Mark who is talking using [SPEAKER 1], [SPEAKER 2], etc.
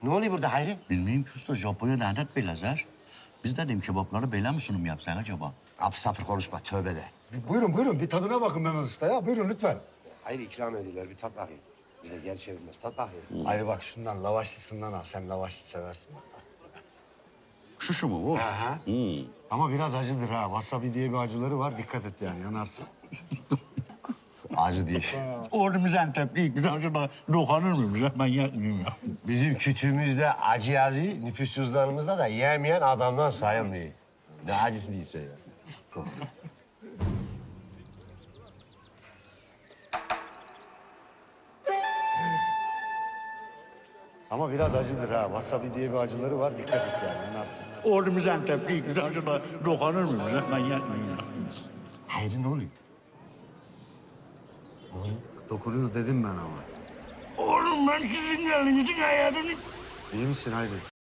[SPEAKER 1] Ne oluyor burada Hayri?
[SPEAKER 2] Bilmeyeyim ki usta, Japonya lanet bir lazer. Biz de dedim kebapları böyle mi sunum yapsan acaba?
[SPEAKER 1] Apır sapır konuşma, tövbe de.
[SPEAKER 3] Buyurun buyurun bir tadına bakın Mehmet Usta ya. Buyurun lütfen.
[SPEAKER 1] Hayri ikram ediyorlar, bir tat bakayım. Bize gel çevirmez, tat bakayım.
[SPEAKER 3] Hayır bak şundan lavaşlısından al. Sen lavaşlı seversin bak.
[SPEAKER 2] Şu mu bu?
[SPEAKER 3] Aha. Ama biraz acıdır ha. Wasabi diye bir acıları var. Dikkat et yani yanarsın.
[SPEAKER 1] Acı değil.
[SPEAKER 2] Oğlum biz Antepli, bir acaba dokanır mıyım? Ben yapmayayım ya.
[SPEAKER 1] Bizim kütüğümüzde acı yazıyor, nüfus cüzdanımızda da yemeyen adamdan sayılmıyor. Ne acısı değilse ya.
[SPEAKER 3] Ama biraz acıdır ha. Wasabi diye bir acıları var. Dikkat et yani yanarsın.
[SPEAKER 2] Oğlum biz Antepli, bir acaba dokanır mıyım? Ben yapmayayım ya.
[SPEAKER 1] Hayri ne oluyor?
[SPEAKER 3] Dokunuyor dedim ben ama.
[SPEAKER 2] Oğlum ben sizin elinizin hayatını...
[SPEAKER 3] İyi misin Hayri?